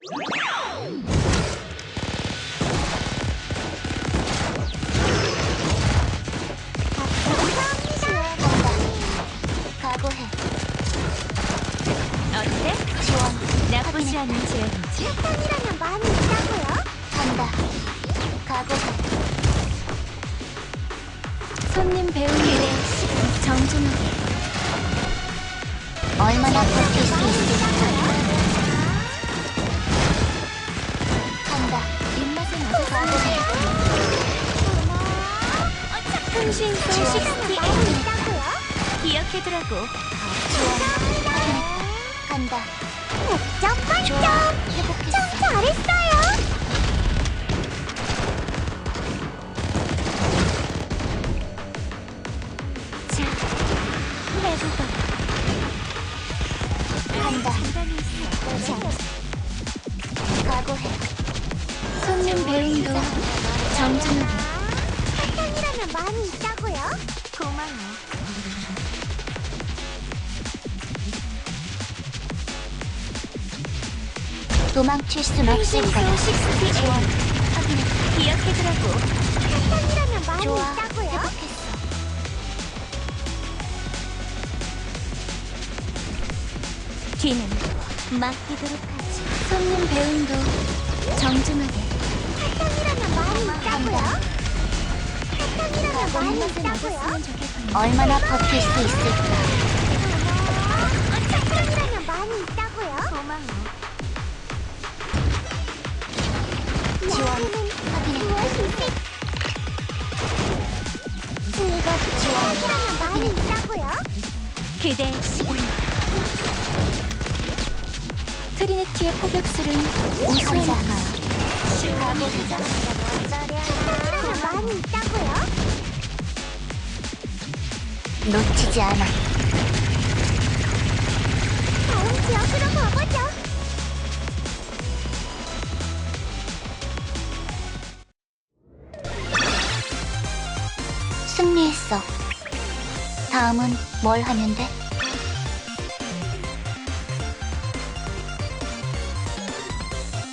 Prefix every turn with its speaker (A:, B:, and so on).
A: 각오해.
B: 어때?
A: 지원.
B: 나쁘지 않은 제안이지?
A: 사탕이라면 많이 있다고요? 간다. 각오해.
B: 손님 배우기에 정중하게.
A: 얼마나 버틸 수 있을까? 간다.
B: 입맛에 맞춰서
A: 각오해.
B: 흥신소
A: 지원.
B: 68
A: 많이 있다고요?
B: 기억해두라고.
A: 지원. 간다. 100점 만점! 회복했어. 참 잘했어요!
B: 자, 해보자.
A: 간다.
B: 장단이 있어.
A: 자, 각오해.
B: 손님 배움도 정중하게.
A: 사탕이라면 많이 있다고요?
B: 고마워.
A: 도망칠 순 없을
B: 흥신소
A: 거야.
B: 68 기억해두라고.
A: 사탕이라면 많이
B: 좋아.
A: 있다고요?
B: 회복했어. 뒤는 맡기도록 하지. 손님 배움도 정중하게.
A: 사탕이라면 많이 있다고요? 사탕이라면 많이
B: 입맛에
A: 있다고요?
B: 맞았으면 좋겠군요.
A: 얼마나 버틸 수 있을까? 사탕이라면 많이 있다고요?
B: 고마워.
A: 지원. 확인해. 즐겁 지원. 사탕이라면 많이 있다고요?
B: 그대 시간. 트리니티의 포격술은 우수하니까.
A: 가보자. 사탕이라면 많이 있다고요? 놓치지 않아. 다음 지역으로 가보죠. 승리했어. 다음은 뭘 하면 돼?